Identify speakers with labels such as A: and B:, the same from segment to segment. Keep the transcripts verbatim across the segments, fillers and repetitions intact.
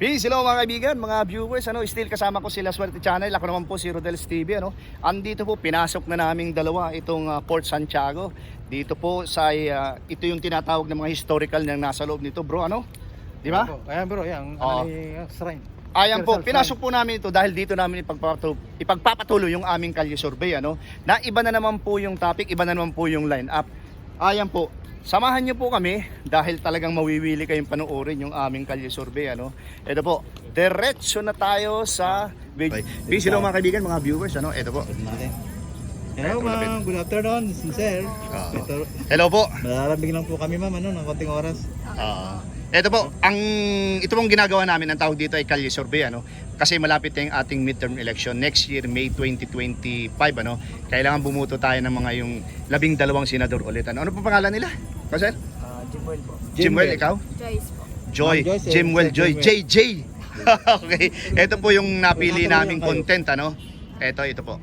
A: Peace, hello mga kaibigan, mga viewers, ano, still kasama ko sila Swerte Channel. Ako naman po si Rodel's T V, ano. Andito po, pinasok na naming dalawa itong uh, Port Santiago. Dito po sa uh, ito yung tinatawag ng mga historical na nasa loob nito, bro, ano? Di ba?
B: Ayan bro, yan,
A: Oo.
B: ano yung shrine.
A: Ayan po, pinasok po namin ito dahil dito namin ipagpapatuloy, ipagpapatuloy yung aming kalye survey, ano. Na iba na naman po yung topic, iba na naman po yung line up. Ayan po. Samahan niyo po kami dahil talagang mawiwili kayong panoorin yung aming kalye survey, ano. Ito po, diretso na tayo sa video. Peace, hello mga kaibigan, mga viewers, ano. Ito po.
B: Hello ma'am, good afternoon, sir.
A: Ah.
B: Ito,
A: Hello po.
B: malalambing lang po kami ma'am, ano, ng konting oras.
A: Ah. Ito po, ang ito pong ginagawa namin, ang tawag dito ay kalye survey, ano. Kasi malapit na yung ating midterm election next year, May twenty twenty-five, ano. Kailangan bumuto tayo ng mga yung labing dalawang senador ulit, ano. Ano po pangalan nila? Kasi
B: Uh, Jimwell po.
A: Jimwell, ikaw?
C: Joyce po.
A: Joy,
B: Ma'am Joyce, eh,
A: Jimwell
B: Sir
A: Joy, J
B: Jimwell.
A: J. Okay, ito po yung napili
B: Ito po
A: naming
B: yung kayo.
A: content, ano. Ito, ito po.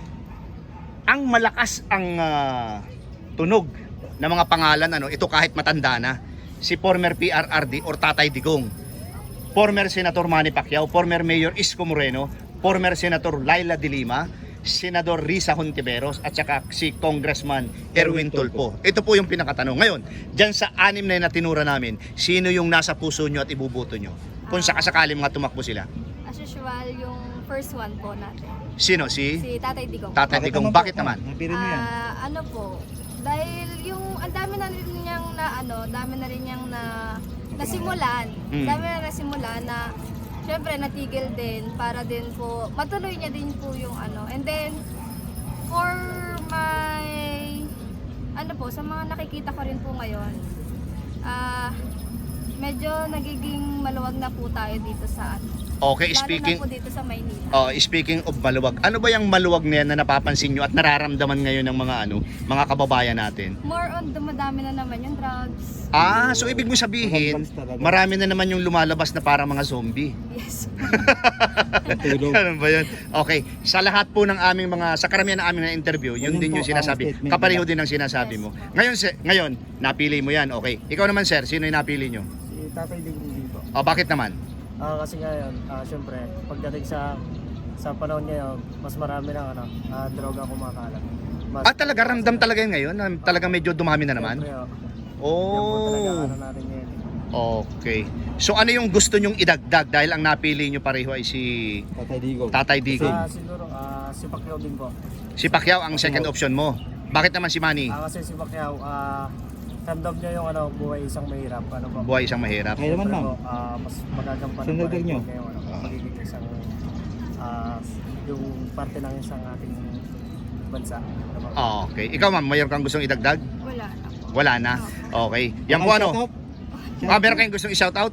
A: Ang malakas ang ah, tunog ng mga pangalan, ano, ito kahit matanda na, si former P R R D or Tatay Digong, former Senator Manny Pacquiao, former Mayor Isko Moreno, former Senator Laila de Lima, Senador Risa Hontiveros at saka si Congressman Erwin Tulfo. Ito po yung pinakatanong. Ngayon, dyan sa anim na yun na tinura namin, sino yung nasa puso nyo at ibubuto nyo? Kung sakasakali mga tumakbo sila.
C: As usual, yung first one po natin.
A: Sino? Si
C: Si Tatay Digong.
A: Tatay Digong. Bakit naman?
B: Napili mo yan.
C: Ah, ano po, dahil yung ang dami na rin niyang na ano, dami na rin niyang na nasimulan.
A: Mm.
C: Dami na nasimulan na syempre natigil din para din po matuloy niya din po yung ano. And then for my ano po, sa mga nakikita ko rin po ngayon, ah medyo nagiging maluwag na po tayo dito sa ano.
A: Okay,
C: Lalo
A: speaking
C: na po dito sa Maynila.
A: Oh, speaking of maluwag, ano ba yung maluwag na yan na napapansin nyo at nararamdaman ngayon ng mga ano, mga kababayan natin?
C: More on dumadami na naman yung drugs.
A: Ah, so ibig mo sabihin, marami na naman yung lumalabas na parang mga zombie.
C: Yes.
B: Tulog.
A: Ano ba yun? Okay, sa lahat po ng aming mga, sa karamihan ng aming na interview, yun
B: Ganyan
A: din
B: po
A: yung
B: ang
A: sinasabi.
B: statement
A: Kapareho
B: nila.
A: din ang sinasabi
C: Yes
A: mo.
C: po.
A: Ngayon, se- ngayon, napili mo yan. Okay. Ikaw naman sir, sino yung napili nyo?
D: Si Tatay Digong dito.
A: O, bakit naman?
D: Ah, kasi ngayon, ah, syempre, pagdating sa sa panahon ngayon, mas marami ng ano, ah, droga kumakalat. Mas,
A: Ah, talaga, ramdam talaga yun ngayon? Na talaga medyo dumami na naman?
D: Syempre, oh, yan po talaga
A: Oh,
D: ano natin ngayon.
A: okay. So ano yung gusto nyong idagdag dahil ang napili nyo pareho ay si
B: Tatay Digong.
A: Tatay Digong?
D: Ah, siguro, ah, si Pacquiao din po.
A: Si Pacquiao ang second option mo. Bakit naman si Manny?
D: Ah, kasi si Pacquiao, ah, ramdam niya yung ano, buhay isang mahirap. Ano po?
A: Buhay isang mahirap.
B: Kayo naman ma'am.
D: Pero, ah, mas magagampanan
B: Senador
D: pa rin
B: nyo?
D: po ngayon, ano,
A: Ah.
D: magiging isang, ah, yung parte ng isang ating bansa. Ano po?
A: Ah, okay. Ikaw ma'am, mayroon kang gustong idagdag?
C: Wala na po.
A: Wala na. Okay. Yan po ano? Ah, meron kayong gustong i-shout out?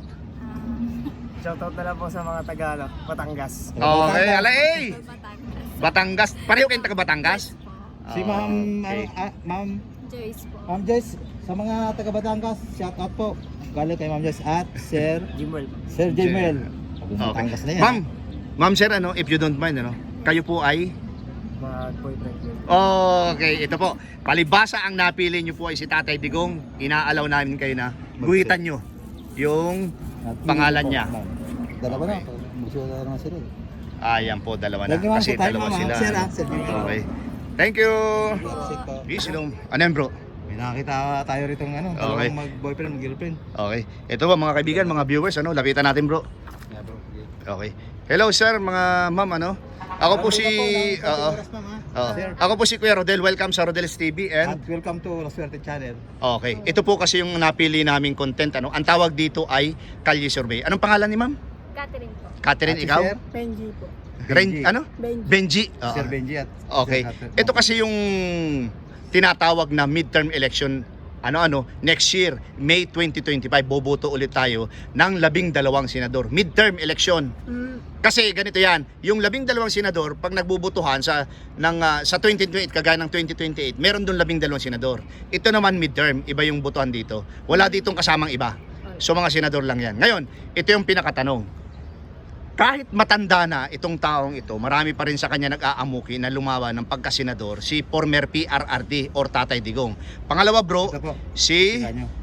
D: Shoutout na lang po sa mga taga ano, Batangas.
A: Okay, ala eh.
C: Batangas.
A: Batangas. Pareho kayong taga Batangas?
B: Si ma'am,
A: Okay.
B: ano, ah, ma'am,
C: Joyce po.
B: ma'am Joyce, sa mga taga Batangas, shout out po. Galing kay ma'am Joyce at Sir,
D: Jimwell.
B: Sir Jimwell.
A: Okay.
B: Batangas na yan.
A: Ma'am, ma'am sir, ano, if you don't mind, ano, kayo po ay?
D: Mga boyfriend ko.
A: Okay, ito po. Palibasa ang napili nyo po ay si Tatay Digong. Inaalaw namin kayo na guhitan nyo yung
B: At
A: pangalan
B: po,
A: niya.
B: ma'am. Dalawa na, magsuwa na naman sila.
A: Ayan po, dalawa na.
B: Thank you, ma'am,
A: Kasi
B: sa time,
A: dalawa
B: ma'am,
A: sila.
B: ah. Sir, ah, Sir Jimwell.
A: Okay. Thank you.
B: Sick po.
A: Peace, long. Ano yan, bro?
B: May nakakita tayo rito ng ano,
A: Okay.
B: dalawang mag-boyfriend, mag-girlfriend.
A: Okay. Ito ba mga kaibigan, mga viewers, ano, lapitan natin, bro.
B: Yeah, bro.
A: Okay. Hello, sir, mga ma'am, ano? Ako po si Oo. Oo. Ako po si Kuya Rodel. Welcome sa Rodel's T V and
B: And welcome to La Suerte Channel.
A: okay. Ito po kasi yung napili naming content, ano. Ang tawag dito ay Kalye Survey. Anong pangalan ni ma'am?
C: Catherine po.
A: Catherine,
B: At si
A: ikaw?
B: Sir
D: Benji po.
A: Ren,
B: Benji.
A: ano?
D: Benji.
A: Benji. Oo.
B: Sir Benji at
A: Okay.
B: Sir Catherine.
A: Ito kasi yung tinatawag na midterm election ano-ano next year, May twenty twenty-five, boboto ulit tayo ng labing dalawang senador. Midterm election. Kasi ganito yan, yung labing dalawang senador, pag nagbubutuhan sa, ng, ah, sa twenty twenty-eight, kagaya ng twenty twenty-eight, meron doon labing dalawang senador. Ito naman midterm, iba yung butuhan dito. Wala ditong kasamang iba. So mga senador lang yan. Ngayon, ito yung pinakatanong. Kahit matanda na itong taong ito, marami pa rin sa kanya nag-aamuki na lumawa ng pagkasenador, si former P R R D or Tatay Digong. Pangalawa bro,
B: Ito po.
A: si
B: Tingnan nyo.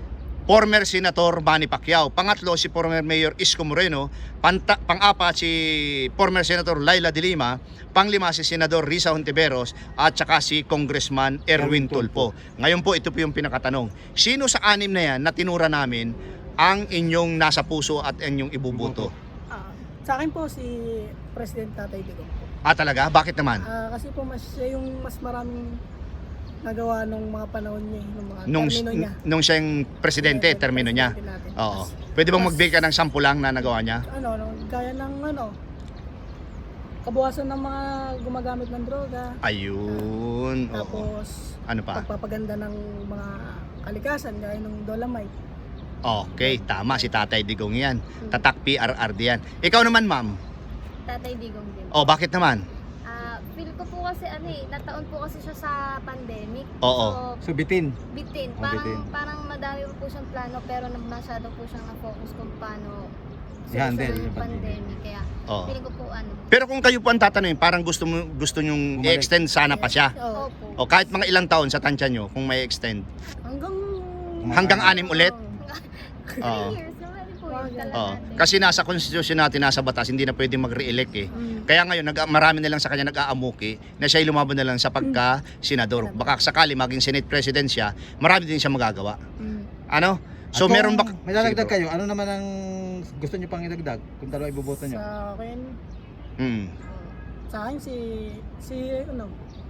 A: former Senator Manny Pacquiao. Pangatlo, si former Mayor Isko Moreno. Panta, pang-apat, si former Senator Laila de Lima. Panglima, si Senador Risa Hontiveros. At saka si Congressman Erwin Tulfo. Ngayon po, ito po yung pinakatanong. Sino sa anim na yan na tinura namin ang inyong nasa puso at inyong ibubuto?
E: Ah, sa akin po si President Tatay Digong po.
A: Ah, talaga? Bakit naman?
E: Ah, kasi po mas siya yung mas maraming nagawa nung mga panahon niya, eh, nung mga
A: Nung,
E: termino niya.
A: nung siya yung presidente,
E: Presidente
A: termino niya.
E: natin.
A: Oo.
E: Tas,
A: Pwede bang
E: tas,
A: magbigay ka ng sampu lang na nagawa niya?
E: Ano, ano, gaya ng ano, kabuhasan ng mga gumagamit ng droga.
A: Ayun. Oo.
E: Tapos,
A: Ano pa?
E: pagpapaganda ng mga kalikasan, gaya ng Dolomite.
A: Okay, tama. Si Tatay Digong yan. Tatak P R R D yan. Ikaw naman, ma'am.
C: Tatay Digong din.
A: Oh, bakit naman?
C: Ah, feel ko po kasi ano eh, nataon po kasi siya sa pandemic.
A: Oo.
C: So,
B: Subitin.
C: bitin.
B: Oh,
C: Parang
B: bitin.
C: parang madami po siyang plano pero na- masyado po siyang na-focus kung paano
B: I-handle
C: solusyonan
B: yung
C: yung pandemic. Kaya
A: Oo.
C: feeling ko po ano.
A: Pero kung kayo po ang tatanungin, parang gusto mo gusto nyong
B: Bumalik.
A: i-extend sana pa siya.
E: Oo.
C: Opo.
A: O kahit mga ilang taon sa tansya nyo kung may extend.
E: Hanggang...
A: Hanggang anim ulit?
C: Three
A: Oo.
C: years, naman po yun
E: Oo.
C: talaga
A: Oo.
C: natin.
A: Kasi nasa konstitusyon natin, nasa batas, hindi na pwedeng mag-re-elect eh.
E: Mm.
A: Kaya ngayon, nag marami na lang sa kanya nag-aamuki na siya lumaban na lang sa pagka-senador. Baka sakali maging Senate President siya, marami din siya magagawa.
E: Mm.
A: Ano? So
B: At kung
A: meron ba...
B: may dadagdag
A: Sige,
B: kayo, ano naman ang gusto niyo pang idagdag kung dalawa iboboto niyo?
E: Sa akin,
A: bro. Mm.
E: sa akin si, si, ano,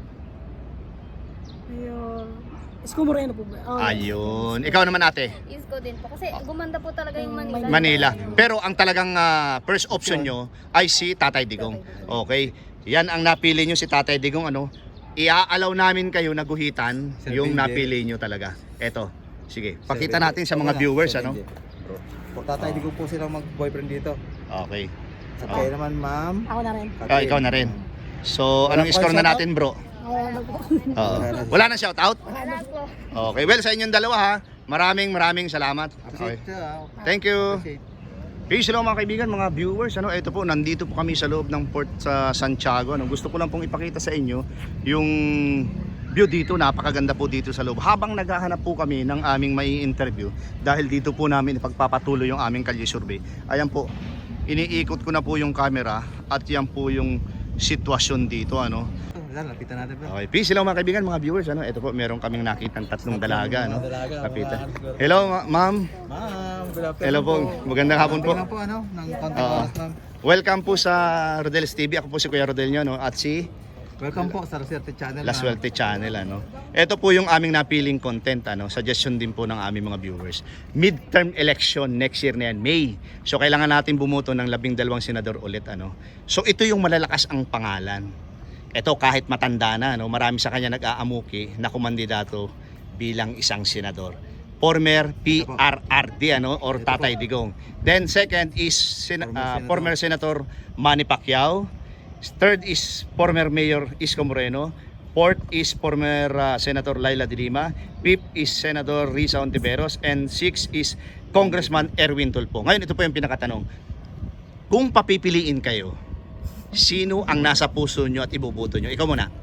E: Mayor Isko Moreno po ba? Oh,
A: Ayun. Ikaw naman ate.
C: Isko din po. Kasi gumanda po talaga yung Manila.
A: Manila. Pero ang talagang ah, first option nyo ay si Tatay Digong. Okay. Yan ang napili nyo si Tatay Digong. Ano? Iaalaw namin kayo na guhitan
B: Sir
A: yung
B: Benji.
A: napili nyo talaga. Eto. Sige.
B: Sir
A: Pakita
B: Benji.
A: natin sa
B: Ito
A: mga
B: na,
A: viewers.
B: Sir
A: Ano?
B: Benji. Bro. Po, tatay, di ko po silang mag-boyfriend dito.
A: Okay.
B: At kayo naman, ma'am.
E: Ako na rin.
A: Ah, ikaw na rin. So,
B: Wala
A: anong
B: pa
A: score na
B: shoutout?
A: natin, bro?
E: Ako na po.
A: Oo. Wala na shoutout?
C: Wala po.
A: Okay. Well, sa inyong dalawa ha. Maraming maraming salamat. Okay.
B: Appreciate siya. ah.
A: Thank you.
B: Appreciate.
A: Peace hello mga kaibigan, mga viewers. Ano, ito po, nandito po kami sa loob ng Port sa Santiago. Ano, gusto ko lang pong ipakita sa inyo yung view dito. Napakaganda po dito sa loob. Habang naghahanap po kami ng aming may interview, dahil dito po namin ipagpapatuloy yung aming kalye survey. Ayan po, iniikot ko na po yung camera at yan po yung sitwasyon dito. Ano.
B: Ito, Wala, lapitan natin bro.
A: Okay, peace hello mga kaibigan, mga viewers. Ano, ito po, meron kaming nakitang tatlong dalaga. Ano.
B: Mga dalaga,
A: Lapitan.
B: mga ano,
A: Hello ma- ma'am.
B: Ma'am, good afternoon
A: Hello po. Magandang hapon po.
B: Lang po ano, ng konting
A: Oo.
B: oras ma'am.
A: Welcome po sa Rodel's T V. Ako po si Kuya Rodel nyo, no? At si
B: Welcome po sa Roserte Channel.
A: La
B: ma'am.
A: Suerte Channel. Ano? Ito po yung aming napiling content. Ano? Suggestion din po ng aming mga viewers. Midterm election next year na yan, May. So kailangan natin bumuto ng labing dalawang senador ulit. Ano? So ito yung malalakas ang pangalan. Ito kahit matanda na, no? Marami sa kanya nag-aamuki na kumandidato bilang isang senador. Former P R R D ano, or Tatay Digong. Then second is sen-
B: Former
A: ah,
B: Senator.
A: former Senator Manny Pacquiao. Third is former Mayor Isko Moreno. Fourth is former uh, Senator Laila de Lima. Fifth is Senator Risa Hontiveros. And sixth is Congressman Erwin Tulfo. Ngayon, ito po yung pinakatanong. Kung papipiliin kayo, sino ang nasa puso nyo at ibubuto nyo? Ikaw muna.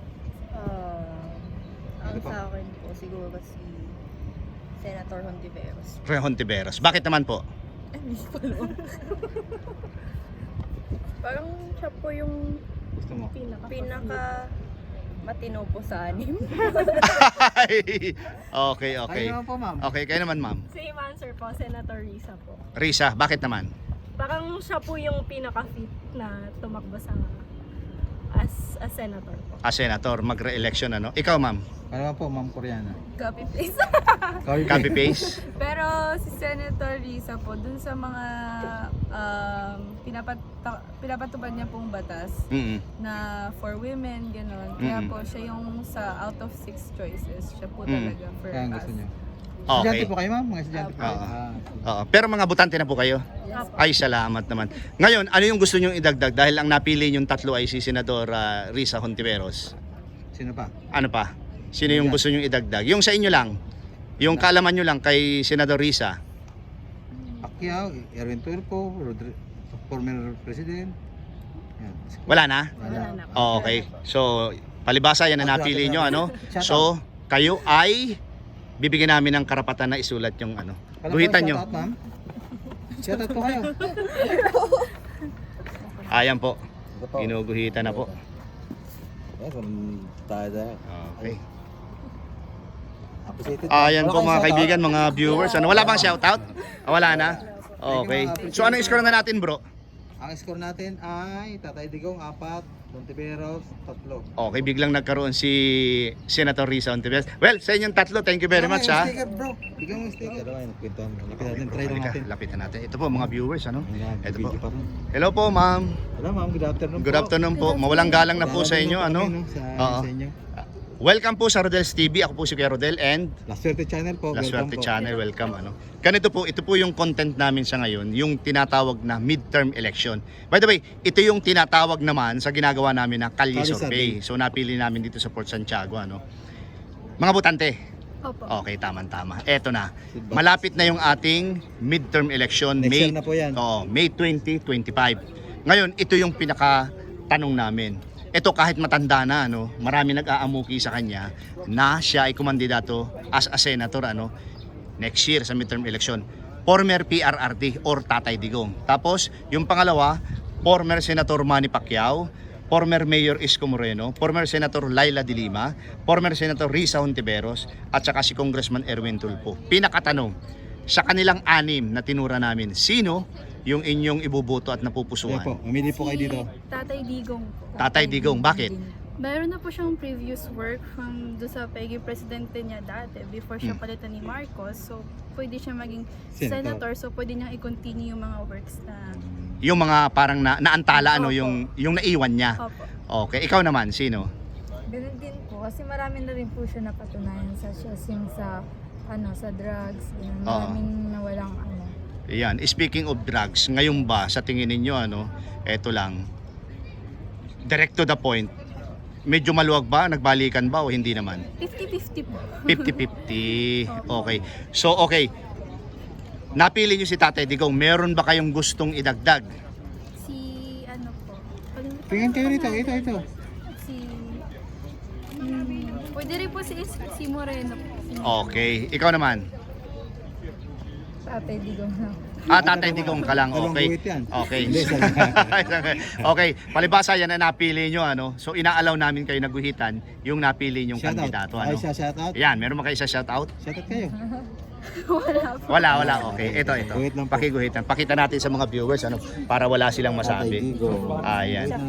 F: Ah, ang
B: Ano pa?
F: sa akin po siguro si Senator Hontiveros.
A: Re Hontiveros. Bakit naman po?
F: Parang siya po yung
B: Gusto mo?
E: Pinaka.
F: pinaka matino po sa anim.
A: okay, okay.
B: Kayo naman po ma'am.
A: Okay, kayo naman ma'am.
G: Same answer po, Senator Risa po.
A: Risa, bakit naman?
G: Parang siya po yung pinaka-fit na tumakbo sa as a senator po.
A: As senator, magre-election ano? Ikaw ma'am,
B: Ano naman po ma'am Koreana?
F: Copy paste.
A: copy paste?
H: Pero si Senator Risa po, dun sa mga um, pinapat pinapatupad niya pong batas
A: Mm.
H: na for women, gano'n. Kaya
A: Mm.
H: po siya yung sa out of six choices, siya po
A: Mm.
H: talaga for
B: Kaya ang
H: us.
B: gusto niyo.
A: Okay.
B: Estudyante po kayo ma'am? Mga estudyante po kayo?
A: Oo.
B: Ah,
A: Oo. Pero mga butante na po kayo?
F: Yes.
A: Ay, salamat naman. Ngayon, ano yung gusto nyong idagdag? Dahil ang napili yung tatlo ay si Senador ah, Risa Hontiveros.
B: sino pa?
A: Ano pa? Sino yung gusto nyong idagdag? Yung sa inyo lang. Yung kaalaman nyo lang kay Senador Risa.
B: Pacquiao, Erwin Tulfo, Rodri- former president. Yan.
A: Wala na?
B: Wala.
G: na po.
A: Oh, okay. So, palibasa yan ang napili nyo, ano? So, kayo ay bibigyan namin ng karapatan na isulat yung ano.
B: Pala po,
A: Guhitan nyo.
B: Shout out, ma'am. Shout out po kayo.
A: Ayan po.
B: Ito po.
A: Ginuguhitan na po.
B: Eh, kung tayo tayo.
A: Okay.
B: Appreciated.
A: Ayan
B: Wala
A: po
B: kayong
A: mga
B: shout out?
A: kaibigan, mga viewers. Ano, wala bang shoutout? Ah, wala na? Okay. So ano score na natin, bro?
B: Ang score natin ay Tatay Digong, apat. Montiveros, tatlo.
A: Okay, biglang nagkaroon si Senator Risa Ontiveros. Well, sa inyong tatlo, thank you very much, ha.
B: Sticker, bro. Bigyan mo yung sticker. Ano, nagkwentuhan. Lapit natin, try lang
A: Halika,
B: natin.
A: lapitan natin. Ito po mga viewers, ano?
B: Ayan,
A: Ito po.
B: video pa rin.
A: Hello po, ma'am.
B: Hello, ma'am. Good afternoon
A: Good
B: po.
A: afternoon po. Mawalang galang na po sa inyo, ano?
B: Sa,
A: Oo.
B: sa inyo.
A: Welcome po sa Rodel's T V. Ako po si Kuya Rodel and
B: La Suerte Channel po.
A: La
B: welcome
A: Suerte
B: po.
A: Channel. Welcome, ano. Ganito po, ito po yung content namin sa ngayon, yung tinatawag na midterm election. By the way, ito yung tinatawag naman sa ginagawa namin na Kalye
B: Kalye
A: Survey.
B: Survey.
A: So napili namin dito sa Port Santiago, ano. Mga botante.
G: Opo.
A: Okay, tama-tama. Eto na. Malapit na yung ating midterm election.
B: Next
A: May,
B: year na po yan.
A: Oo, May twenty twenty-five. Ngayon, ito yung pinaka tanong namin. Ito kahit matanda na, ano, marami nag-aamuki sa kanya na siya ay kumandidato as a senator, ano, next year sa midterm election. Former P R R D or Tatay Digong. Tapos, yung pangalawa, former Senator Manny Pacquiao, former Mayor Isko Moreno, former Senator Laila de Lima, former Senator Risa Hontiveros, at saka si Congressman Erwin Tulfo. Pinakatanong, sa kanilang anim na tinura namin, sino yung inyong ibuboto at
B: Ayan
A: napupusuan?
B: po. Mamili po kayo dito.
G: Tatay Digong po.
A: Tatay Digong, bakit?
G: Meron na po siyang previous work from do sa P E G I presidente niya dati before siya
A: Hmm.
G: palitan ni Marcos. So, pwede siya maging
B: Senator.
G: senator. So, pwede niyang i-continue yung mga works na...
A: Yung mga parang na, naantala, ano,
G: Opo.
A: yung, yung naiwan niya.
G: Opo.
A: Okay, ikaw naman, sino?
I: Ganun din po kasi marami na rin po siya napatunayan sa siya yung sa ano sa drugs, yun,
A: Oo.
I: maraming nawalang ano.
A: Yan, speaking of drugs, ngayon ba sa tingin ninyo, ano, eto lang, direct to the point, medyo maluwag ba, nagbalikan ba o hindi naman?
G: fifty-fifty po.
A: fifty-fifty. Okay. So, okay. Napili nyo si Tatay Digong. Meron ba kayong gustong idagdag?
G: Si ano po. Kalimutan
B: Tingin
G: ko
B: kayo
G: na
B: rito.
G: lang.
B: Ito, ito.
G: Si... Hmm, pwede rin po si, si Moreno po. Si
A: Okay. Ikaw naman?
I: Tatay Digong na.
A: Ah, Tatay Digong ka lang.
B: Walang
A: Okay.
B: guhit yan.
A: Okay.
B: Hindi,
A: Okay. Palibasa yan na napili nyo, ano. So, inaalaw namin kayo naguhitan yung napili nyong
B: Shout out.
A: kandidato,
B: Ay,
A: ano.
B: siya shout out.
A: Yan, meron ba kayo sa shoutout?
B: Shout out kayo.
G: Wala po.
A: Wala, wala. Okay. Ito, ito.
B: Guhit lang po.
A: Pakiguhitan. Pakita natin sa mga viewers, ano, para wala silang
B: Tatay
A: masabi.
B: Digong.
A: Ayan.
B: Guhit ng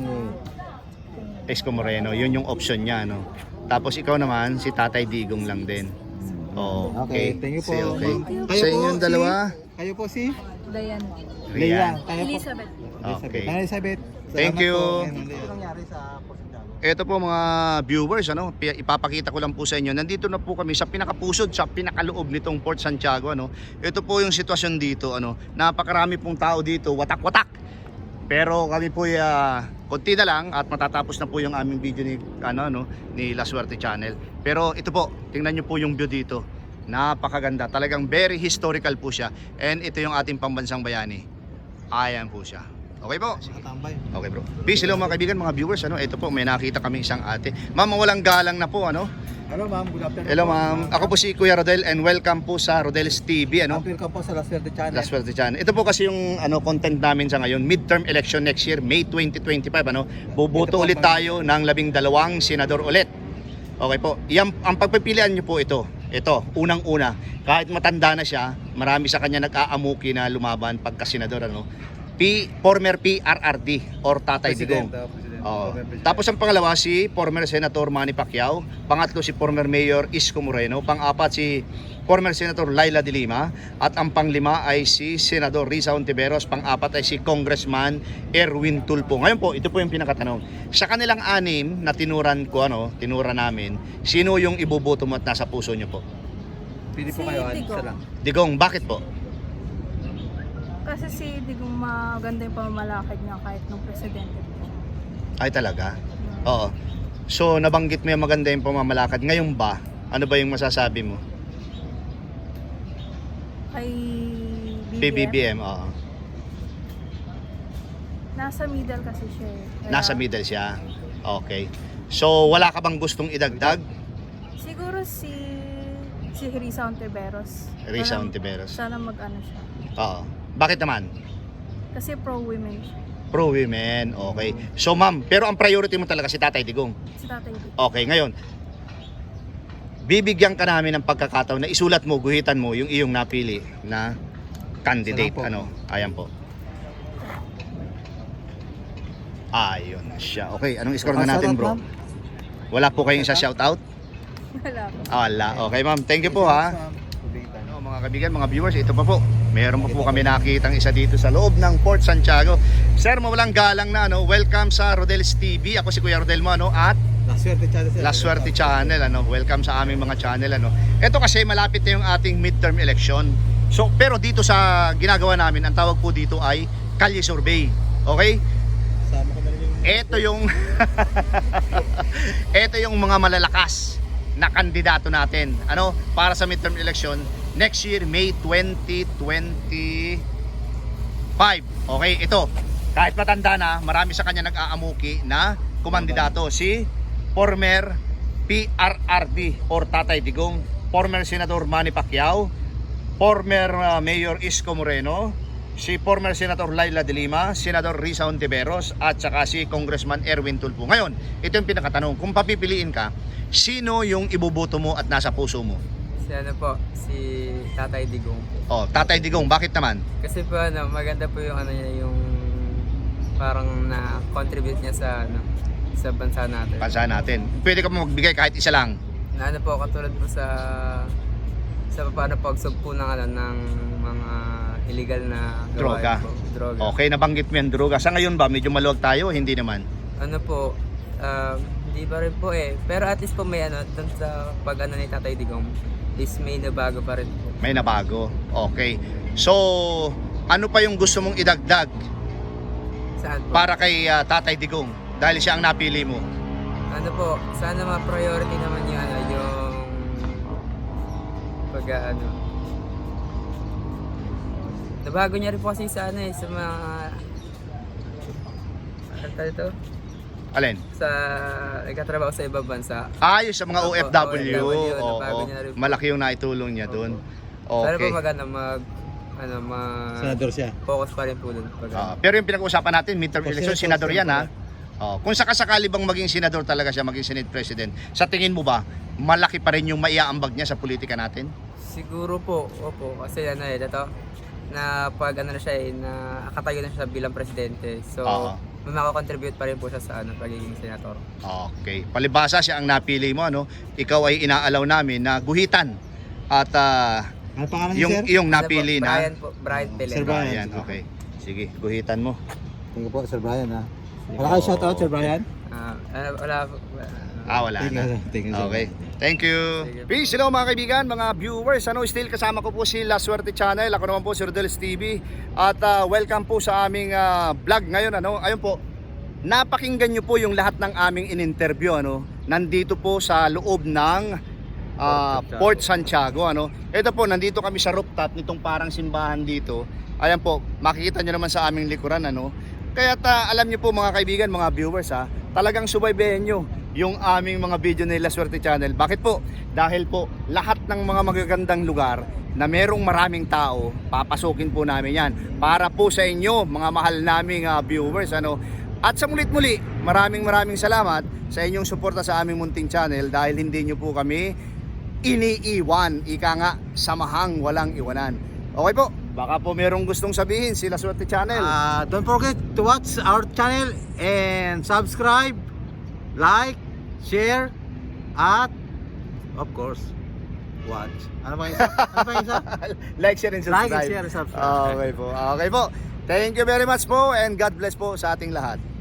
B: guhit.
A: Isko Moreno, yun yung option niya, no. Tapos ikaw naman, si Tatay Digong lang din. Oh,
B: Okay,
A: okay.
B: thank you po.
A: Si- okay.
B: Kayo
A: Sa
B: po,
A: inyong
B: si-
A: dalawa,
B: Kayo po si
I: Dayan.
A: Rian.
B: Kayo po.
G: Elizabeth.
A: Okay.
B: Elizabeth. Elizabeth.
A: Thank
B: Salamat
A: you.
B: po. Ano nangyari sa Port Santiago?
A: Ito po mga viewers, ano, pi- ipapakita ko lang po sa inyo. Nandito na po kami sa pinakapusod, sa pinakaloob nitong Port Santiago, ano. Ito po yung sitwasyon dito, ano. Napakarami pong tao dito, watak-watak. Pero kami po uh, konti na lang at matatapos na po yung aming video ni ano no ni La Suerte Channel. Pero ito po, tingnan niyo po yung view dito. Napakaganda. Talagang very historical po siya. And ito yung ating pambansang bayani. Ayan po siya. Okay po.
B: Nakatambay.
A: Okay bro. Peace, hello mga kaibigan, mga viewers, ano. Ito po, may nakita kami isang ate. Ma'am, walang galang na po, ano.
B: Hello ma'am, good afternoon.
A: Hello
B: po.
A: ma'am. Ako po si Kuya Rodel and welcome po sa Rodel's T V, ano.
B: Welcome po sa La Suerte Channel.
A: La Suerte Channel. Ito po kasi yung ano content namin sa ngayon, midterm election next year, May twenty twenty-five, ano. Boboto
B: Ito po,
A: ulit
B: ma'am.
A: tayo ng labing dalawang senador ulit. Okay po. Yan, ang pagpipilian niyo po ito. Ito, unang-una, kahit matanda na siya, marami sa kanya nag-aamuki na lumaban pagka senador, ano. P, former P R R D or Tatay Digong.
B: President, oh, President.
A: Oo.
B: Former President.
A: Tapos ang pangalawa si former Senator Manny Pacquiao, pangatlo si former Mayor Isko Moreno, pang-apat si former Senator Laila de Lima, at ang panglima ay si Senador Risa Hontiveros, pang-apat ay si Congressman Erwin Tulfo. Ngayon po, ito po yung pinakatanong. Sa kanilang anim na tinuran ko, ano, tinura namin, sino yung iboboto mo at nasa puso nyo po?
B: Pili po
G: Si
B: kayo, ano,
G: Digong.
B: isa lang.
A: Digong, bakit po?
G: Kasi si Digong maganda yung pamamalakad niya kahit nung presidente po.
A: Ay talaga? Oo. So, nabanggit mo yung maganda yung pamamalakad. Ngayon ba, ano ba yung masasabi mo?
G: Kay B B M,
A: P B B M, oo.
G: nasa middle kasi siya eh. Kaya
A: Nasa middle siya. Okay. So, wala ka bang gustong idagdag?
G: Siguro si si Risa Ontiveros.
A: Risa
G: Sana-
A: Ontiveros.
G: Sana mag-ano siya.
A: Oo. Bakit naman?
G: Kasi pro-women siya.
A: Pro-women, okay. So ma'am, pero ang priority mo talaga si Tatay Digong.
G: Si Tatay Digong.
A: Okay, ngayon, bibigyan ka namin ng pagkakataon na isulat mo, guhitan mo yung iyong napili na candidate.
B: Salamat po.
A: Ano? Ayan po. Ayun na siya. Okay, anong score na
B: Ah,
A: natin,
B: shoutout,
A: bro?
B: ma'am.
A: Wala po kayong isa shoutout?
G: Wala po.
A: Wala. Okay, ma'am. Thank you po, ha. Ano, mga kaibigan, mga viewers, ito pa po. Meron pa po kami nakitang isa dito sa loob ng Port Santiago. Sir, mawalang galang na, ano, welcome sa Rodel's T V. Ako si Kuya Rodel mo, ano, at
B: La Suerte Channel. sir.
A: La Suerte Channel, ano. Welcome sa aming mga channel, ano. Ito kasi malapit na yung ating midterm election. So, pero dito sa ginagawa namin, ang tawag po dito ay Kalye Survey. Okay?
B: Sama ko na rin yung...
A: Ito yung Ito yung mga malalakas na kandidato natin, ano, para sa midterm election next year, May twenty twenty-five. Okay, ito. Kahit matanda na, marami sa kanya nag-aamuki na kumandidato, si former P R R D or Tatay Digong, former Senator Manny Pacquiao, former uh, Mayor Isko Moreno, si former Senator Laila de Lima, Senator Risa Ontiveros, at saka si Congressman Erwin Tulfo. Ngayon, ito yung pinakatanong. Kung papipiliin ka, sino yung ibuboto mo at nasa puso mo?
J: Si ano po, si Tatay Digong po.
A: Oh, Tatay Digong, bakit naman?
J: Kasi po ano, maganda po yung ano niya, yung parang na-contribute niya sa ano, sa bansa natin.
A: Bansa natin. Pwede ka mo magbigay kahit isa lang.
J: Na ano po, katulad po sa sa paano pagsugpo ng ano, ng mga illegal na
A: Droga.
J: gawain po. Droga.
A: Okay, nabanggit mo yung droga. Sa ngayon ba, medyo maluwag tayo? Hindi naman.
J: Ano po, um, hindi pa rin po eh. Pero at least po may ano, dun sa pag ano ni Tatay Digong, is may nabago pa rin po.
A: May nabago. Okay. So, ano pa yung gusto mong idagdag
J: Saan po?
A: para kay uh, Tatay Digong? Dahil siya ang napili mo.
J: Ano po, sana ma-priority naman yung ano, yung pag ano. Nabago niya rin po kasi sa ano eh, sa mga ano tawag ito?
A: Alin?
J: Sa nagkatrabaho sa ibang bansa.
A: Ayos sa mga O F W.
J: O F W,
A: Oo,
J: nabago niya na rin po.
A: malaki yung naitulong niya doon.
J: Sana po
A: Okay.
J: mag ano, mag ano, mag
B: Senador siya.
J: focus pa rin po doon. Pag,
A: Ah, pero yung pinag-uusapan natin, midterm
B: O,
A: election,
B: senator,
A: senador yan, ha?
B: senator.
A: Oh, kung sakasakali bang maging senador talaga siya, maging Senate President, sa tingin mo ba, malaki pa rin yung maiaambag niya sa politika natin?
J: Siguro po, opo, kasi ano eh, ito, na pag ano na siya eh, na akatayo na siya bilang presidente. So,
A: Oo.
J: may makakontribute pa rin po siya sa ano, pagiging senator.
A: Okay. Palibasa siya ang napili mo, ano? Ikaw ay inaalaw namin na guhitan at ah,
B: Ano pangalan niya,
A: yung
B: sir?
A: yung
J: Ano po,
A: napili
J: Brian
A: na
J: po, Brian
B: Oh,
J: Pelen.
B: Sir Brian.
A: Ayan, okay. Sige, guhitan mo.
B: Thank you po, Sir Brian, ha. Wala kayo shoutout, Sir Brian?
J: Ah, ano, wala po.
A: Ah, wala
B: Thank
A: na.
B: you, sir. Thank you, sir.
A: Okay. Thank you.
J: Sige.
A: Peace, hello mga kaibigan, mga viewers. Ano, still kasama ko po si La Suerte Channel. Ako naman po si Rodel's T V. At ah, welcome po sa aming ah, vlog ngayon. Ano? Ayun po, napakinggan nyo po yung lahat ng aming in-interview. Ano? Nandito po sa loob ng ah, Port Santiago. Ano? Ito po, nandito kami sa rooftop nitong parang simbahan dito. Ayan po, makikita nyo naman sa aming likuran. Ano? Kaya ta, alam nyo po mga kaibigan, mga viewers, ha, talagang subaybayan nyo yung aming mga video ni La Suerte Channel. Bakit po? Dahil po lahat ng mga magagandang lugar na merong maraming tao, papasukin po namin yan para po sa inyo mga mahal naming uh, viewers. Ano? At sa mulit muli, maraming maraming salamat sa inyong suporta sa aming munting channel dahil hindi nyo po kami iniiwan. Ika nga, samahang walang iwanan. Okay po, baka po merong gustong sabihin si La Suerte Channel.
B: Uh, don't forget to watch our channel and subscribe, like, share, at of course, watch. Ano ba isa? Ano ba isa?
A: Like, share, and subscribe.
B: Like and share and subscribe.
A: Okay po. Okay po. Thank you very much po and God bless po sa ating lahat.